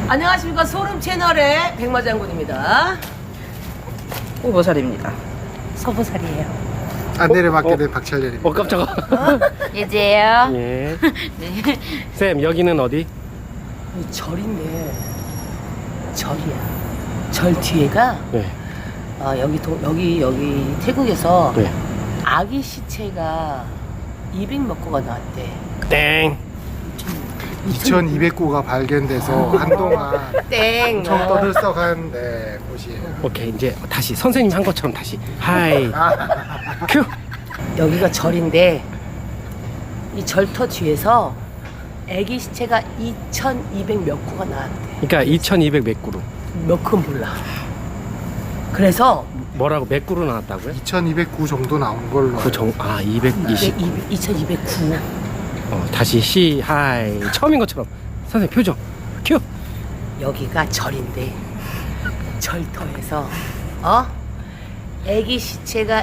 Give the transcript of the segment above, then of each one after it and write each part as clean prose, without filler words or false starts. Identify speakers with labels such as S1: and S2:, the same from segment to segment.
S1: 안녕하십니까. 소름 채널의 백마장군입니다.
S2: 오보살입니다.
S1: 서보살이에요.
S3: 안내를 맡게 된 박철렬입니다.
S4: 깜짝아.
S2: 예지예요.
S4: 예.
S2: 네.
S4: 쌤, 여기는 어디?
S1: 이 절인데 절이야. 절 뒤에가
S4: 네.
S1: 여기 태국에서
S4: 네.
S1: 아기 시체가 200몇 구가 나왔대.
S4: 땡.
S3: 2200구가 발견돼서 한동안
S1: 땡.
S3: 엄청 떠들썩한 곳이에요.
S4: 오케이, 이제 다시 선생님 한 것처럼 다시. 하이. 큐.
S1: 여기가 절인데 이 절터 뒤에서 아기 시체가 2200 몇 구가 나왔대.
S4: 그러니까 2200 몇 구로.
S1: 몇 구는 몰라. 그래서
S4: 뭐라고 몇 구로 나왔다고요?
S3: 2209 정도 나온 걸로.
S4: 그 정, 220.
S1: 2209.
S4: 다시 시, 하이. 처음인 것처럼. 선생님 표정. 큐.
S1: 여기가 절인데 절터에서 아기 시체가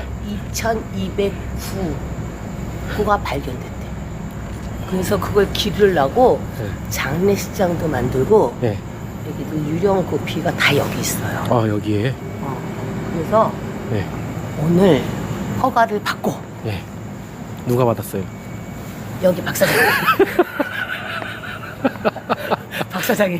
S1: 2209구가 발견됐대. 그래서 그걸 기르려고
S4: 네.
S1: 장례식장도 만들고
S4: 네.
S1: 여기도 유령 고피가 다 여기 있어요.
S4: 여기에.
S1: 그래서
S4: 네.
S1: 오늘 허가를 받고
S4: 네. 누가 받았어요?
S1: 여기 박사장이 박사장이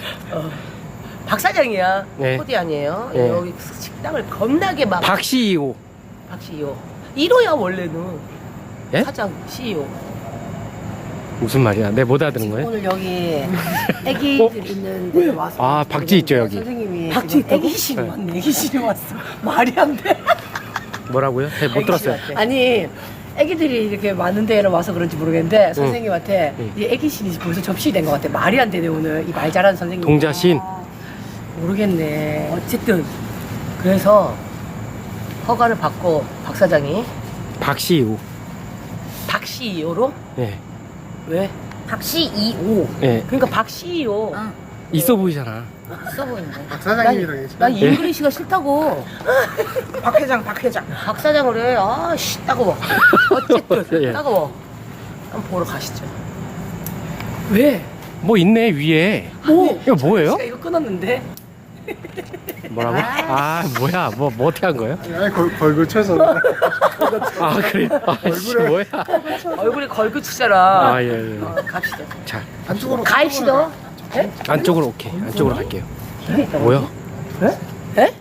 S1: 박사장이야.
S4: 네.
S1: 코디 아니에요.
S4: 네.
S1: 여기 식당을 겁나게 막
S4: 박CEO.
S1: 박 CEO 1호야 원래는.
S4: 예?
S1: 사장 CEO.
S4: 무슨 말이야? 내 못 알아듣는 거예요?
S2: 오늘 여기 애기들 있는 데 와서.
S4: 박쥐 있죠, 여기.
S2: 선생님이
S1: 박쥐
S2: 지금
S1: 애기실이 왔네. 애기실이 왔어. 말이 안 돼.
S4: 뭐라고요? 못 들었어요.
S2: 아니 애기들이 이렇게 많은 데를 와서 그런지 모르겠는데 선생님한테
S4: 응.
S2: 이 애기실이 벌써 접시된 것 같아. 말이 안 되네 오늘 이 말 잘하는 선생님.
S4: 동자신.
S1: 모르겠네. 어쨌든 그래서 허가를 받고 박 사장이
S4: 박CEO.
S1: 박 CEO로
S4: 네.
S1: 왜?
S2: 박씨 2호.
S4: 네.
S1: 그러니까 박 CEO.
S4: 있어 보이잖아.
S2: 써 보이는데.
S3: 박사장님이랑
S1: 난
S3: 계시나요?
S1: 잉글리시가 싫다고.
S2: 박 회장, 박 회장.
S1: 박 사장을 해. 씨 따가워. 어쨌든
S4: 예.
S1: 따가워. 한번 보러 가시죠. 왜?
S4: 뭐 있네 위에.
S1: 뭐?
S4: 이거 뭐예요?
S1: 제가 이거 끊었는데.
S4: 뭐라고? 뭐야? 뭐 어떻게 한 거예요?
S3: 아니, 걸고 쳐서.
S4: 그래. 씨, 뭐야?
S1: 얼굴에 걸그 치잖아.
S4: 예.
S1: 갑시다.
S4: 자,
S3: 안쪽으로.
S1: 가입시다.
S4: 안쪽으로 오케이. 안쪽으로 갈게요. 뭐야?
S1: 에?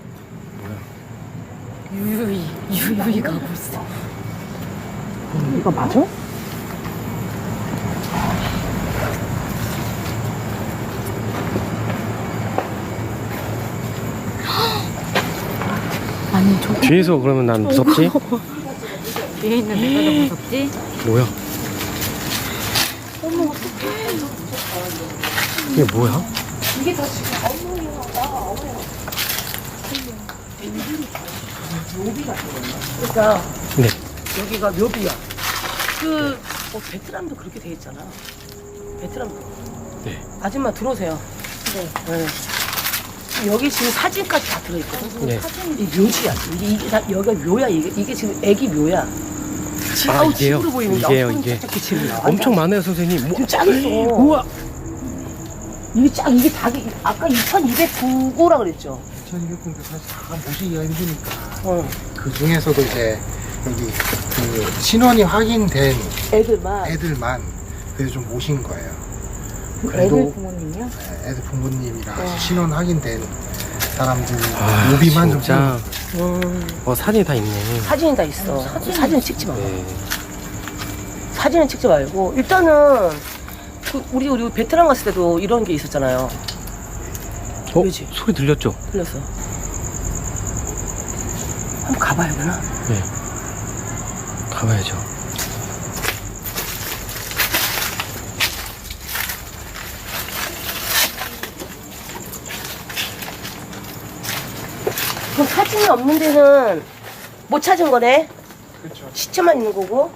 S2: 유유히 가고 있어.
S1: 이거 맞아?
S2: 아니 저
S4: 뒤에서 그러면 난 무섭지?
S2: 뒤에 있는 데가 더 무섭지?
S4: 뭐야? 이게 뭐야?
S1: 그러니까
S4: 네.
S1: 여기가 묘비야. 베트남도 그렇게 돼 있잖아. 베트남도.
S4: 네.
S1: 아줌마 들어오세요. 네. 여기 지금 사진까지 다 들어있거든.
S4: 네.
S1: 이 묘지야. 이게 다 여기가 묘야. 이게 지금 애기 묘야. 아우
S4: 이게요?
S1: 집으로 보이는
S4: 이게요, 이게. 엄청 많아요, 선생님.
S1: 좀 짱있어.
S4: 우와.
S1: 이게 닭이 아까 2209구라 그랬죠.
S3: 2209도 사실 다 모시기가 힘드니까.
S1: 어.
S3: 그 중에서도 이제 여기 그 신원이 확인된
S1: 애들만.
S3: 애들만 그래서 좀 모신 거예요.
S1: 애들
S3: 그래도
S1: 부모님이요?
S3: 네, 애들 부모님이랑 신원 확인된 사람들
S4: 아,
S3: 묘비만 좀
S4: 진짜.
S3: 세워놓고.
S4: 사진이 다 있네.
S1: 사진이 다 있어. 사진 찍지 마.
S4: 네.
S1: 사진은 찍지 말고 일단은 우리 베트남 갔을 때도 이런 게 있었잖아요. 그지?
S4: 소리 들렸죠?
S1: 틀렸어. 한번 가봐야 되나?
S4: 네. 가봐야죠.
S1: 그럼 사진이 없는 데는 못 찾은 거네?
S3: 그렇죠.
S1: 시체만 있는 거고?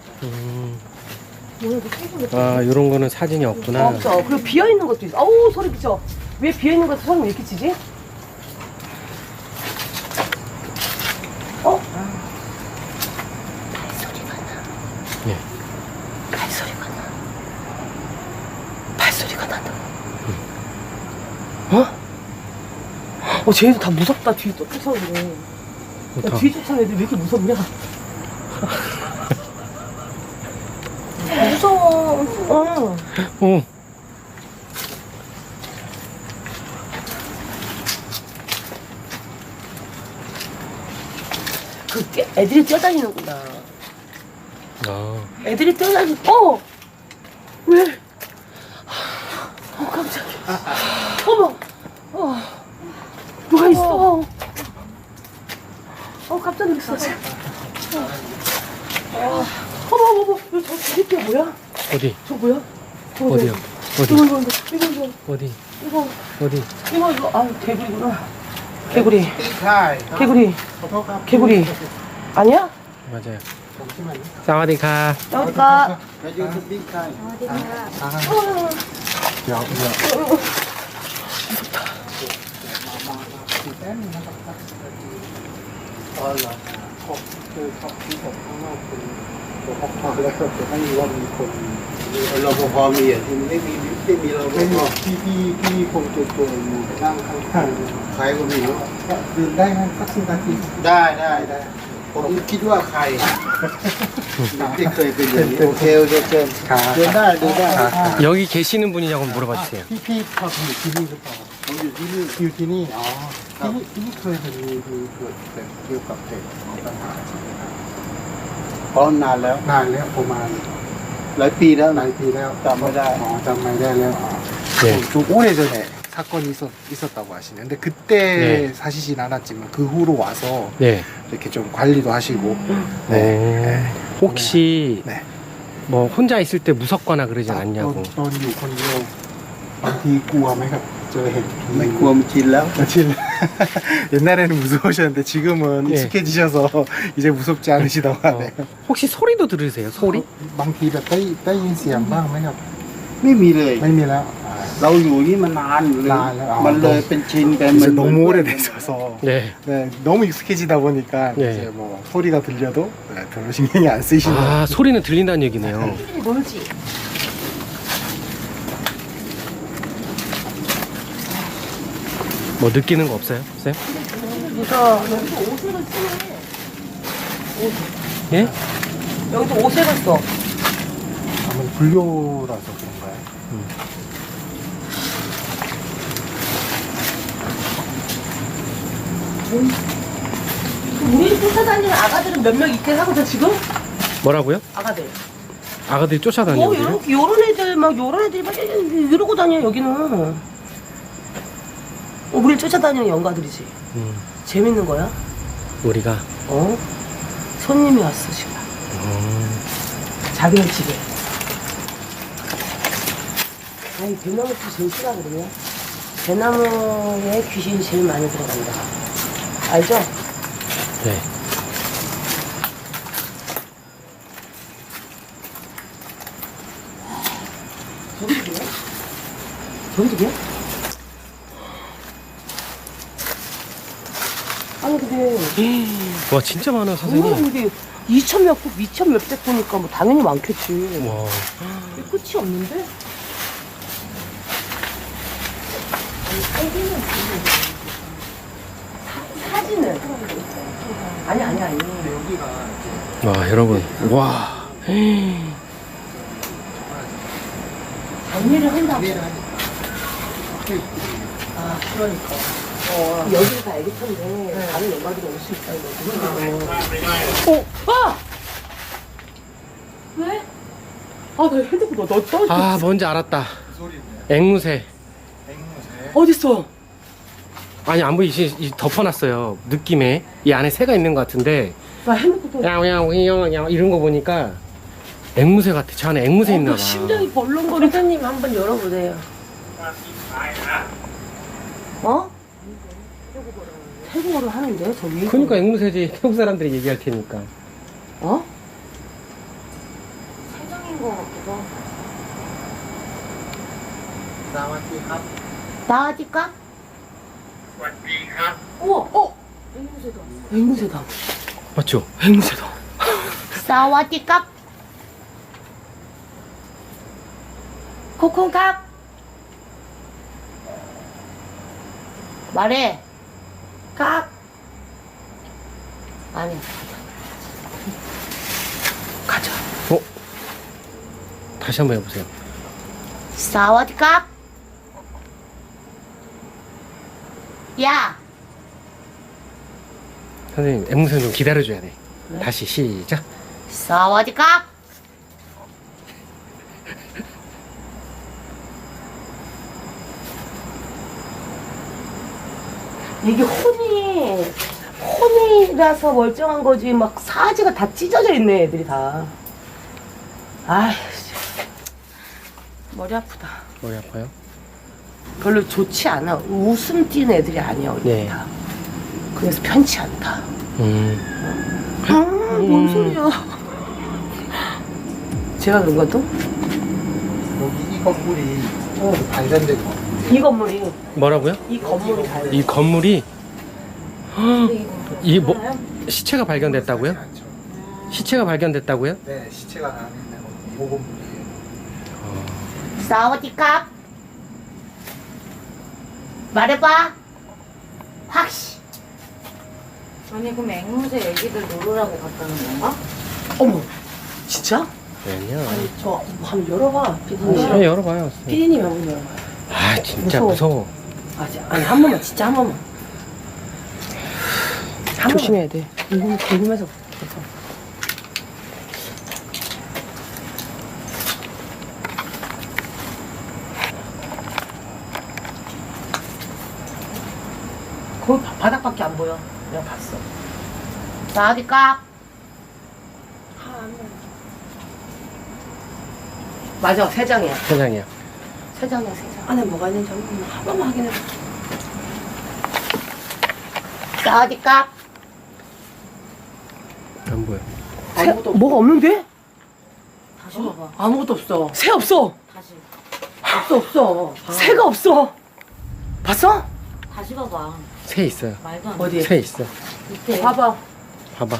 S4: 요런 거는 사진이 없구나.
S1: 없어. 그리고 비어있는 것도 있어. 어우, 소리 미쳐. 왜 비어있는 것도 소리 왜 이렇게 치지? 발소리가 나.
S4: 네.
S1: 발소리가 나. 발소리가 난다. 쟤네들 다 무섭다. 뒤에 또 쫓아오네. 야,
S4: 좋다.
S1: 뒤에 쫓아오는 애들 왜 이렇게 무섭냐? 무서워.
S4: 어.
S1: 애들이 뛰어다니는구나.
S4: 아.
S1: 애들이 뛰어다니. 왜? 깜짝이야. 어머. 누가 있어? 깜짝 놀랐어. 어머. 저 뒤에 뭐야?
S4: 어디?
S1: 저 뭐야? 저거,
S4: 어디요? 어디?
S1: 이거.
S4: 어디?
S1: 이거.
S4: 어디?
S1: 개구리구나. 개구리.
S3: ใช่
S1: 개구리.
S3: ขอโทษครับ
S1: 개구리. 아니야?
S4: 맞아요.
S3: ผมชื่อมัน
S4: 사와디카.
S1: 어디가?
S3: แล้วยูทูบบิ๊กใช่เดี๋ยวอ๋อเหรอคือเขาที่ผมข้างนอกเป็นตัวพกพาแล้วก็จะให้รู้ว่ามีคน
S5: รปภมีอ่ะที่ไม่มีรป
S3: ไม่
S5: ภ
S3: มีพี่คงตัวอยู่นั่งข้าง
S5: ใครก็ไม่รู้
S3: ๆก็ดื่มได้ไหมสักสิบนาที
S5: ได้ผมคิดว่าใครที่เคยเป็นอย่างนี้โอเคเชิญ
S3: ขา
S5: เดินได้เดินได้
S4: 여기 계시는 분이냐고 물어봐 주세요.
S3: พี่พออยู่ที่นี่หรือเปล่า
S5: ผมอยู่ที่นี่
S3: อยู่ที่นี่อ๋อที่นี่เคยมีเกิดเกี่ยวกับเด็กของปัญหา
S5: พร้อมนานแล้ว
S3: นานแล้วประมาณ
S5: หลายปีแล้ว
S3: ห
S5: นะ
S3: ลายปีแล้ว
S5: จำไม่ได้
S3: จำไม่ได้แล้ว
S4: 네.
S3: 좀 오래전에 사건이 있었다고 하시는데 근데 그때
S4: 네.
S3: 사시진 않았지만 그 후로 와서
S4: 네.
S3: 이렇게 좀 관리도 하시고 네.
S4: 혹시
S3: 네.
S4: 뭐 혼자 있을 때 무섭거나 그러진 않냐고.
S3: ตอนอยู่คนเดียวบางทีกลัวไหมครับเจอเห็นผี
S5: ไม่กลัวมันชินแล้ว
S3: 진 옛날에는 무서우셨는데 지금은
S4: 네.
S3: 익숙해지셔서 이제 무섭지 않으시다고 하네요.
S4: 혹시 소리도 들으세요? 소리?
S3: บางทีแบบได้ยินเสียงบ้างไหมครับ
S5: ไม่มีเลย
S3: ไม่มีแล้ว
S5: เราอยู่นี่มานานเลย
S3: นานแล้วอ๋อ
S5: มันเลยเป็นชินไป
S3: 이제
S5: มัน
S3: 너무 오래되셔서
S4: 네.
S3: 네, 너무 익숙해지다 보니까
S4: 네.
S3: 이제 뭐 소리가 들려도 네, 별로 신경이 안 쓰이시는 것 같아요.
S4: 아, 소리는 들린다는 얘기네요.
S1: 멀지?
S4: 뭐 느끼는 거 없어요? 쌤?
S1: 무서워. 여기서 오색을 쓰네.
S4: 예?
S1: 여기서 오색을 써.
S3: 아무래도 불교라서 그런가요?
S1: 우리 쫓아다니는 아가들은 몇 명 있긴 하거든, 지금?
S4: 뭐라고요?
S1: 아가들.
S4: 아가들이 쫓아다니는
S1: 요런 애들, 요런 애들이 막 이러고 다녀, 여기는. 우리를 쫓아다니는 영가들이지. 재밌는 거야?
S4: 우리가.
S1: 손님이 왔어, 지금. 자기네 집에. 아니, 대나무도 제일 싫어하거든요. 대나무에 귀신이 제일 많이 들어간다. 알죠?
S4: 네.
S1: 저기 집이야? 저기 집이야? 아니, 근데.
S4: 와, 진짜 많아,
S1: 뭐야,
S4: 선생님.
S1: 이게 2천 몇 구, 2천 몇백 구니까 뭐 당연히 많겠지.
S4: 와.
S1: 이게 끝이 없는데? 사진을. 아니.
S4: 와, 여러분. 와.
S1: 정리를 한다고. 아, 그러니까. 여기가 다 애기 텐데, 다른 연마들이 올 수 있다, 이거지. 왜? 나 핸드폰 너 떨어졌어.
S4: 아, 뭔지 알았다. 앵무새.
S1: 어딨어?
S4: 아니, 안 보이시, 덮어놨어요. 느낌에. 이 안에 새가 있는 것 같은데.
S1: 나 핸드폰
S4: 야옹야옹 이런 거 보니까 앵무새 같아. 저 안에 앵무새 있나 봐.
S1: 심장이 벌렁거려. 선생님 한번 열어보세요. 태국어를 하는데, 저 위에.
S4: 그러니까 앵무새지. 태국 사람들이 얘기할 테니까.
S1: 세정인 것 같기도 하고.
S3: สวัสดีครับ
S1: 나아질까?
S5: สวัสดีครับ
S1: 우와, 앵무새다.
S4: 맞죠?
S1: 앵무새다. 사와디캅. 코콩캅. 말해. 깍. 아니. 가자.
S4: 다시 한번 해보세요.
S1: 사와디캅. 야.
S4: 선생님, 앵무새 좀 기다려줘야 돼. 다시 시작.
S1: 사와디캅. 이게 혼이라서 멀쩡한 거지 막 사지가 다 찢어져 있네 애들이 다. 아휴 머리 아프다.
S4: 머리 아파요?
S1: 별로 좋지 않아. 웃음 띄는 애들이 아니야 우리
S4: 네.
S1: 다. 그래서 편치 않다. 뭔 소리야. 제가 그런 것도?
S5: 여기 이 건물이 발견된 거.
S1: 이 건물이
S4: 뭐라고요?
S1: 이 건물이 다.
S4: 이 건물이 이 뭐 시체가 발견됐다고요?
S5: 않죠.
S4: 시체가 발견됐다고요?
S5: 네, 시체가 나는 이 건물이에요.
S1: 사와디캅. 말해봐. 확시.
S6: 아니 그럼 앵무새 애기들 놀으라고 갔다는 건가?
S1: 어머 진짜?
S4: 아니야.
S1: 아니 저 한번 열어봐 피디님.
S4: 아, 열어봐요.
S1: 피디님 한번 열어봐.
S4: 아 진짜
S1: 무서워.
S4: 무서워.
S1: 아니 한 번만 진짜 한 번만.
S4: 조심해야 돼.
S1: 이거 궁금해서 계속. 거기 바닥밖에 안 보여. 내가 봤어. 사와디캅. 맞아, 세 장이야.
S4: 세상이야.
S1: 세 장이야, 세 장. 안에 뭐가 있는지 한 번만 확인해. 사와디캅.
S4: 안 보여.
S1: 아무것도 뭐가 없는데?
S6: 다시 봐봐.
S1: 아무것도 없어. 새 없어.
S6: 다시.
S1: 없어. 새가 없어. 봤어?
S6: 다시 봐봐.
S4: 새 있어요.
S6: 말도 안 돼.
S1: 어디?
S4: 새 있어.
S6: 밑에.
S1: 봐봐.
S4: 봐봐.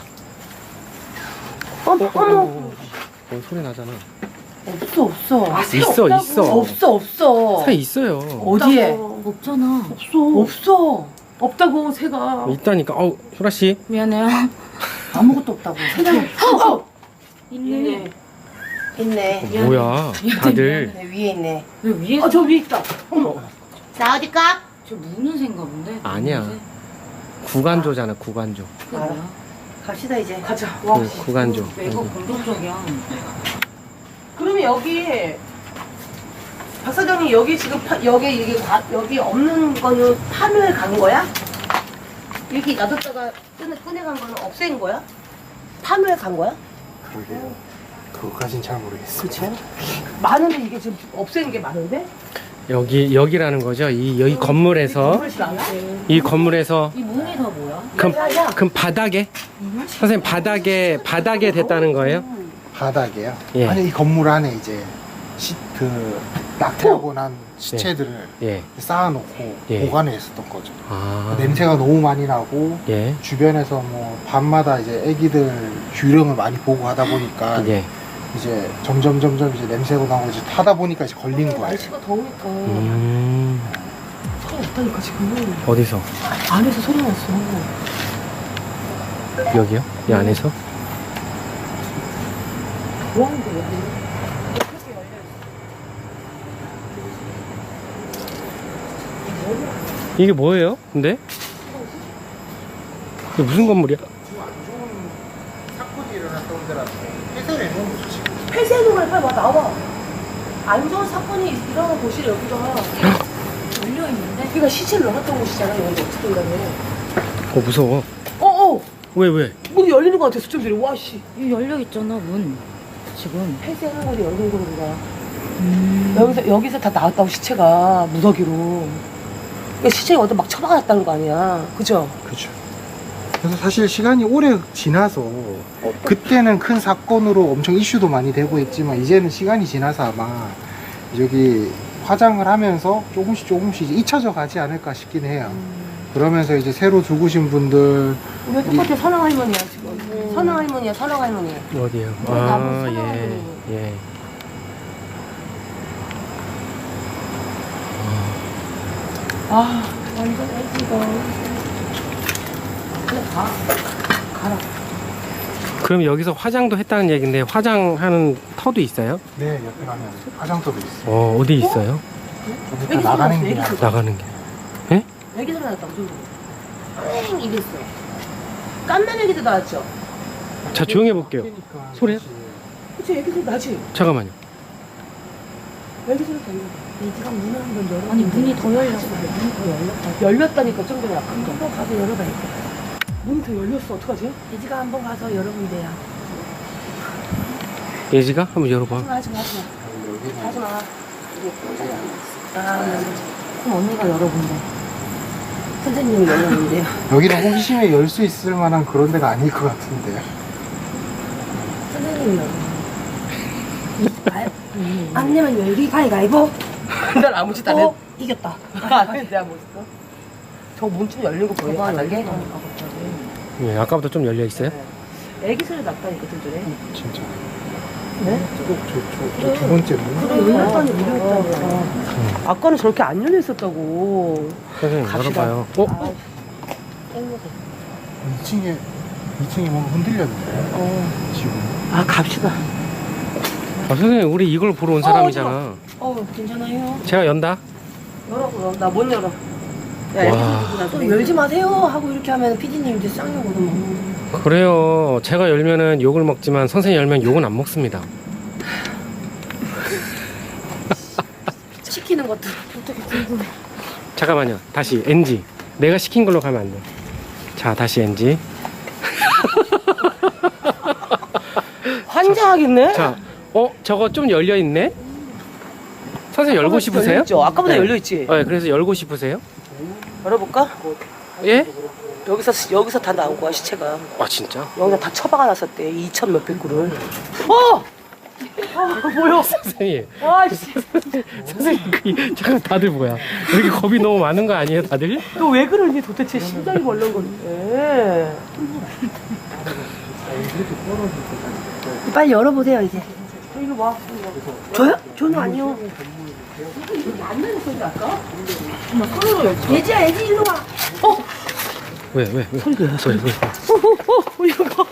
S1: 어머.
S4: 소리 나잖아.
S1: 없어. 아, 새
S4: 있어,
S1: 없다고.
S4: 있어.
S1: 없어.
S4: 새 있어요.
S1: 어디에?
S6: 없잖아.
S1: 없어. 없다고 새가.
S4: 있다니까. 소라 씨.
S6: 미안해요.
S1: 아무것도 없다고. 새가.
S6: 있네.
S1: 있네.
S4: 뭐야? 다들
S1: 네, 위에 있네.
S6: 왜 위에?
S1: 저 위에 있다. 어머. 사와디캅.
S6: 저 무는 새인가 본데?
S4: 아니야.
S6: 무는
S4: 구간조잖아. 구간조.
S6: 새? 그게 뭐야?
S1: 갑시다 이제. 가자.
S4: 구간조.
S6: 왜 이거 공격적이야?
S1: 그러면 여기 박 사장님 여기 지금 여기 없는 거는 파묘에 간 거야? 이렇게 놔뒀다가 꺼내간 거는 없앤 거야? 파묘에 간 거야?
S5: 그러게요. 그거까진 잘 모르겠어요.
S1: 그쵸? 많은데 이게 지금 없앤 게 많은데?
S4: 여기라는 거죠. 여기 건물에서 이 건물에서
S6: 이 문이 다 뭐야?
S4: 그럼 바닥에 선생님 바닥에 됐다는 거예요?
S5: 바닥에요?
S4: 예.
S5: 아니 이 건물 안에 이제 낙태하고 난 시체들을
S4: 예.
S5: 쌓아놓고
S4: 예.
S5: 보관해 있었던 거죠.
S4: 아.
S5: 냄새가 너무 많이 나고
S4: 예.
S5: 주변에서 뭐 밤마다 이제 애기들 유령을 많이 보고 하다 보니까
S4: 예.
S5: 이제 점점 이제 냄새가 나고 이제 타다 보니까 이제 걸린 거예요.
S1: 날씨가 더우니까 소리 났다니까 지금.
S4: 어디서?
S1: 안에서 소리 났어.
S4: 여기요? 이 안에서?
S1: 뭐 하는 거야?
S4: 이게 뭐예요? 근데? 이게 무슨 건물이야?
S5: 사건이 일어났던 데라서 해설해 놓은 거죠 지금.
S1: 폐쇄는 걸 빨리 와 나와. 안 좋은 사건이 일어난 곳이 여기가.
S6: 열려 있는데?
S1: 여기가 시체를 넣었던 곳이잖아. 여기 어떻게 된다며.
S4: 무서워. 왜?
S1: 문이 열리는 거 같아. 수첩들이. 와 씨.
S6: 여기 열려 있잖아 문. 지금.
S1: 폐쇄하는 거리 열린 거리가. 여기서 다 나왔다고 시체가 무더기로. 그러니까 시체가 어디 막 처박아놨다는 거 아니야. 그죠?
S5: 그렇죠. 그래서 사실 시간이 오래 지나서 그때는 큰 사건으로 엄청 이슈도 많이 되고 했지만 이제는 시간이 지나서 아마 여기 화장을 하면서 조금씩 이제 잊혀져 가지 않을까 싶긴 해요. 그러면서 이제 새로 죽으신 분들
S1: 우리가 똑같아. 선왕 할머니야 지금. 선왕 할머니야. 선왕 할머니.
S4: 어디요?
S1: 나무
S4: 아,
S1: 사과하고.
S4: 예.
S1: 아 완전 애기가. 그냥 가라.
S4: 그럼 여기서 화장도 했다는 얘긴데 화장하는 터도 있어요?
S5: 네, 옆에 가면 화장터도 있어요.
S4: 어디 있어요?
S5: 좀 이따 나가는 게
S4: 나가는 게.
S1: 애기 소리 났다고 저기. 땡 이랬어. 깐난 애기도 나왔죠.
S4: 자, 조용히 해볼게요. 소리야?
S1: 그치 애기 소리 나지.
S4: 잠깐만요.
S1: 애기 소리 들려.
S6: 애기가 문을 한번 열어. 아니 문이 더 열렸어. 문이 더 열렸다.
S1: 열렸다니까 좀 전에 아까.
S6: 한번 가서 열어봐야겠다.
S1: 문이 더 열렸어. 어떡하지?
S6: 애지가 한번 가서 열어보면 돼요.
S4: 예지가 한번 열어봐.
S1: 하지마. 하지마.
S6: 그럼 언니가 열어본대.
S1: 선생님이 열렸는데요.
S5: 여기는 호기심에 열 수 있을 만한 그런 데가 아닐 것 같은데.
S6: 선생님이 열어. 안 내면 열기 가위가위보.
S1: 난 아무 짓도 안 했.
S6: 이겼다.
S1: 내가 뭐 했어? 저 문 좀 열린 거 보여? 바닥에?
S4: 예, 아까부터 좀 열려 있어요?
S1: 애기 소리 났다니까 좀 전에.
S5: 진짜.
S1: 네?
S5: 저 두 번째 문.
S1: 열렸다니까. 아까는 저렇게 안 열려 있었다고.
S4: 선생님
S1: 갑시다.
S4: 열어봐요.
S5: 2층에 뭔가 흔들렸는데. 지금.
S1: 아 갑시다.
S4: 선생님 우리 이걸 보러 온 사람이잖아.
S6: 괜찮아요.
S4: 제가 연다.
S1: 열어 그럼. 나 못 열어. 야, 애기
S4: 와.
S1: 소리 듣고 나서
S6: 또 열지 마세요 하고 이렇게 하면 피디님 이제 쌍욕거든.
S4: 그래요. 제가 열면은 욕을 먹지만 선생님 열면 욕은 안 먹습니다.
S6: 시키는 것도 어떻게 궁금해.
S4: 잠깐만요. 다시 NG. 내가 시킨 걸로 가면 안 돼. 자, 다시 NG.
S1: 환장하겠네?
S4: 자, 저거 좀 열려 있네. 선생님 열고 싶으세요?
S1: 열렸죠? 아까보다
S4: 네.
S1: 열려있지?
S4: 네, 그래서 열고 싶으세요?
S1: 열어볼까?
S4: 예?
S1: 여기서 다 나온 거야 시체가.
S4: 아 진짜?
S1: 여기다 다 처박아 놨었대. 2천 몇백 구를. 뭐야?
S4: 선생님,
S1: 아씨.
S4: 선생님, 잠깐 다들 뭐야? 여기 겁이 너무 많은 거 아니에요, 다들?
S1: 너 왜 그러니 도대체 심장이 벌렁 건데.
S6: 빨리 열어보세요 이제.
S1: 이리 와.
S6: 저요? 저는 아니요.
S1: 안 내는 소리 아까?
S6: 예지야 예지 일로 와.
S4: 왜? 소리가 왜?
S1: 이거.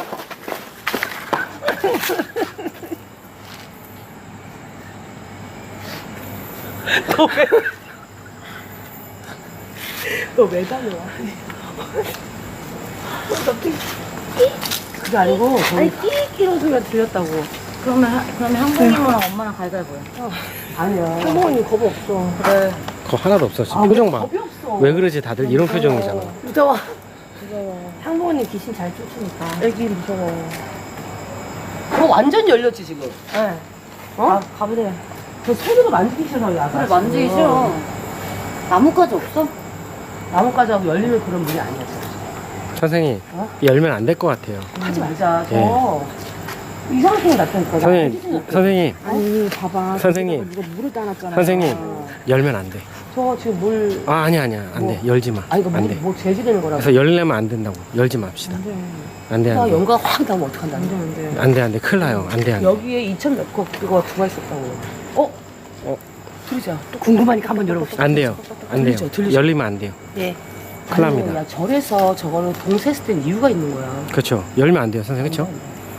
S1: 너 왜 다녀와? 그게 아니고
S6: 아니 끼끼런 소리가 들렸다고. 그러면 한국님이랑 엄마랑 가위가위보요.
S1: 아니야.
S6: 할머니 겁 없어.
S1: 그래.
S4: 거 하나도 없어. 지금 표정 봐.
S1: 겁이 없어.
S4: 왜 그러지 다들 이런 표정이잖아.
S1: 무서워.
S6: 항복언니 귀신 잘 쫓으니까.
S1: 애기 무서워. 그거 완전 열렸지 지금.
S6: 네.
S1: 어?
S6: 가보세요.
S1: 저 손으로 만지기 싫어. 야.
S6: 그래 만지기 싫어. 나뭇가지 없어?
S1: 나뭇가지 하고 열리는 그런 문이 아니야.
S4: 선생님,
S1: 어?
S4: 열면 안 될 것 같아요.
S1: 하지 말자. 저 이상한 소리 났다니까.
S4: 선생님,
S6: 아니 봐봐.
S4: 선생님.
S6: 누가 물을 따놨잖아.
S4: 선생님, 열면 안 돼.
S1: 저 지금 물.
S4: 아니야, 안 돼. 열지 마.
S1: 아니 이거
S4: 안
S1: 물,
S4: 돼.
S1: 뭐 재지되는 거라고.
S4: 그래서 열려면 안 된다고. 열지 맙시다. 안 돼,
S1: 나
S4: 안 돼.
S1: 연가 확 나면 어떡한다.
S4: 안 돼. 큰일 나요. 안 돼.
S1: 여기에 2천 몇 거 그거 들어가 있었다고. 들으자.
S6: 또 궁금하니까 한번 열어봅시다.
S4: 안 돼요. 안 돼요.
S1: 들리죠?
S4: 열리면 안 돼요.
S6: 예.
S4: 큰일 납니다.
S1: 야 절에서 저거는 봉쇄했을 땐 이유가 있는 거야.
S4: 그렇죠. 열면 안 돼요, 선생님. 그렇죠?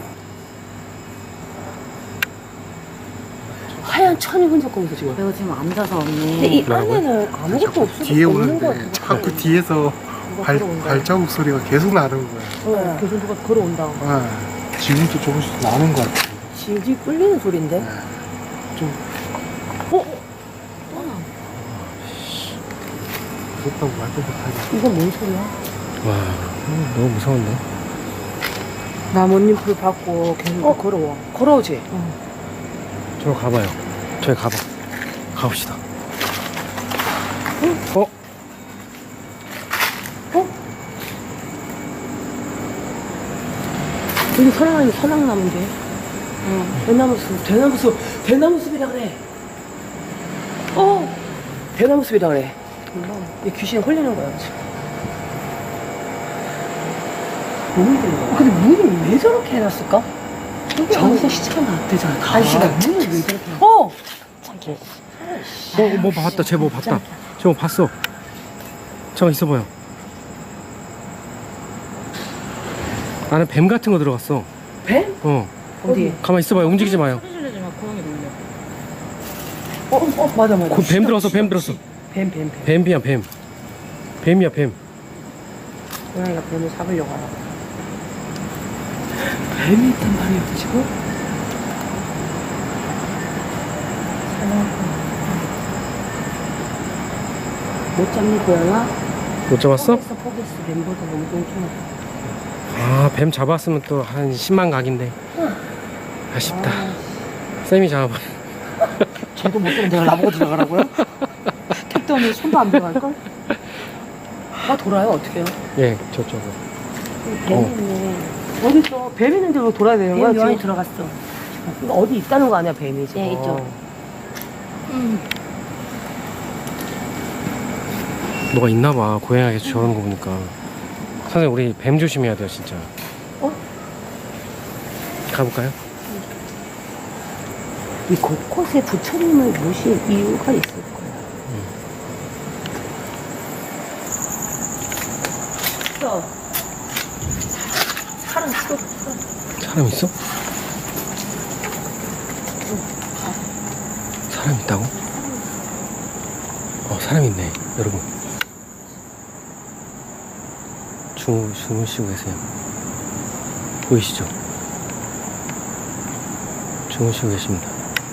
S1: 하얀 천이 흔적거리면서 지금.
S6: 내가 지금 앉아서
S1: 근데
S6: 언니.
S1: 이 안에는 아무것도 없어.
S5: 뒤에
S1: 없는 거
S5: 오는데
S1: 같아.
S5: 자꾸 뒤에서 발자국 소리가 계속 나는 거야.
S1: 계속 누가 걸어온다.
S5: 지금도 조금씩 나는 것 같아.
S1: 질질 끌리는 소린데?
S5: 좀 무섭다고 말도 못하게.
S1: 이건 뭔 소리야?
S4: 와, 너무 무서운데.
S1: 나뭇잎 불 받고 계속 걸어와. 걸어오지?
S4: 저 가봐요. 저기 가봐. 가봅시다.
S1: 여기 서양하니 서양나무인데. 대나무 숲이라 그래. 대나무 숲이라 그래. 이 귀신이 홀리는 거야, 지금. 너무 힘든 거야. 근데 문을 왜 저렇게 해놨을까? 저기서 시체가 나왔대잖아. 간시가 문을 왜 저렇게 해놨어?
S4: 뭐 봤다. 쟤 뭐 봤다. 쟤 뭐 봤어. 잠깐 있어봐요. 안에 뱀 같은 거 들어갔어.
S2: 뱀?
S4: 어.
S2: 어디?
S4: 가만 있어봐요. 움직이지 마요.
S6: 소리 지르지 마. 고양이 놀려.
S2: 맞아 맞아.
S4: 뱀 들어왔어. 뱀 들어왔어.
S2: 뱀.
S4: 뱀이야 뱀. 뱀이야 뱀.
S2: 고양이가 뱀을 잡으려고 하나. 뱀이 있단 말이에요 지금? 못 잡니 고양아?
S4: 못 잡았어?
S2: 포기했어. 뱀보다 너무 뚱뚱해.
S4: 아, 뱀 잡았으면 또 한 10만 각인데. 아쉽다. 쌤이 잡아봐.
S2: 쟤도 못 들은 내가 나보고 들어가라고요? 택도 없는 손도 안 들어갈걸? 돌아요 어떡해요?
S4: 예, 저쪽으로.
S2: 뱀이 있네. 어디 있어? 뱀 있는데 왜 돌아야 되는 거야? 뱀 안에 들어갔어. 어디 있다는 거 아니야 뱀이 지금?
S6: 네, 있죠.
S4: 뭐가 있나 봐. 고양이가 계속 저러는 거 보니까. 선생님, 우리 뱀 조심해야 돼요, 진짜. 가볼까요?
S2: 이 곳곳에 부처님을 모신 이유가 있을 거야. 사람 있어?
S4: 사람 있어? 사람 있다고? 사람 있네, 여러분. 주무시고 계세요. 보이시죠? 주무시고 계십니다.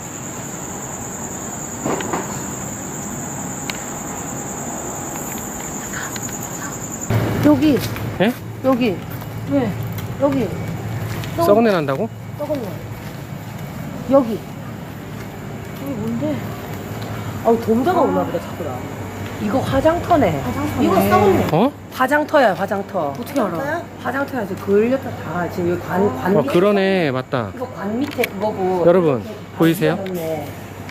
S2: 여기.
S4: 예?
S2: 여기. 왜? 여기.
S4: 썩은 내 난다고?
S2: 썩었네. 여기. 여기 뭔데? 동자가 오나 보다 자꾸 나. 이거 화장터네. 이거 썩었네.
S4: 어?
S2: 화장터야 화장터.
S6: 어떻게 알아?
S2: 화장터야 지금 걸렸다 다 지금 여기 관 밑에.
S4: 그러네, 맞다.
S2: 이거 관 밑에 그거고.
S4: 여러분, 보이세요?
S2: 걸렸네.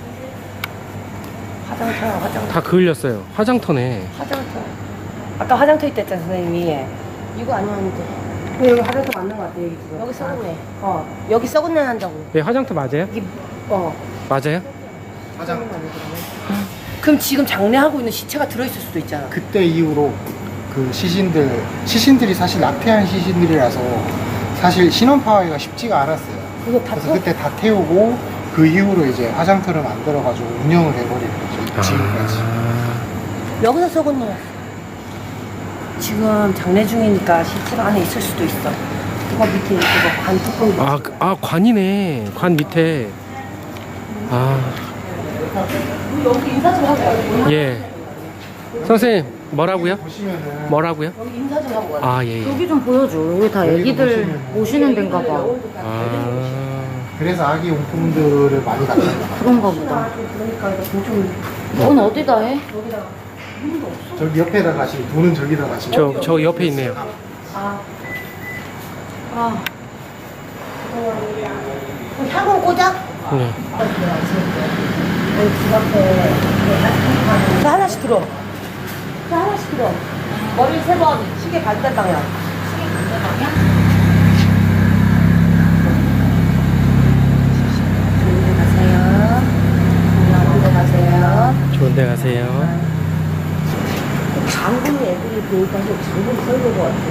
S2: 화장터야 화장터.
S4: 다 그을렸어요. 화장터네.
S2: 화장터. 아까 화장터 있다 했잖아 선생님이.
S6: 이거 아니었는데.
S2: 근데 여기 화장터 맞는 거 같아 여기 지금.
S6: 여기 썩었네.
S2: 여기 썩은 내 난다고.
S4: 네, 화장터 맞아요?
S2: 여기
S4: 맞아요?
S5: 화장.
S2: 그럼 지금 장례하고 있는 시체가 들어있을 수도 있잖아.
S5: 그때 이후로 그 시신들이 사실 낙태한 시신들이라서 사실 신원 파악이 쉽지가 않았어요.
S2: 그거 다
S5: 그래서 그때 다 태우고 그 이후로 이제 화장터를 만들어가지고 운영을 해버리는 거죠. 지금까지.
S2: 여기서 썩은 놈. 지금 장례 중이니까 시체가 안에 있을 수도 있어. 그거 밑에 그거 관 뚜껑.
S4: 관이네. 관 밑에.
S2: 여기 인사 좀 하고 와요.
S4: 예. 선생님, 뭐라고요?
S5: 보시면은
S4: 뭐라고요?
S2: 여기 인사 좀 하고 와요.
S4: 예.
S6: 여기 좀 보여줘. 여기 다
S5: 여기도
S6: 애기들
S5: 보시면
S6: 모시는 데인가 봐.
S5: 그래서 아기 용품들을 많이 갖다 놔요.
S6: 그런가 보다.
S2: 그러니까 이거 좀
S6: 넌 어디다 해?
S5: 저기 옆에다 가시면 돈은 저기다 가시면
S4: 저 옆에 있네요.
S2: 향은 꽂아?
S4: 네.
S2: 자, 하나씩 들어. 자, 하나씩 들어. 머리 3번, 시계 반대 방향.
S4: 좋은 데 가세요.
S2: 장군이 애들이 보니까 장군 설거것 같아.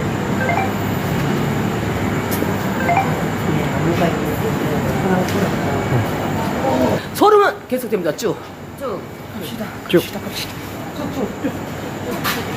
S2: 나무가 있는 소름은 계속됩니다. 쭉.
S6: 쭉.
S4: 쭉.
S2: 쭉쭉.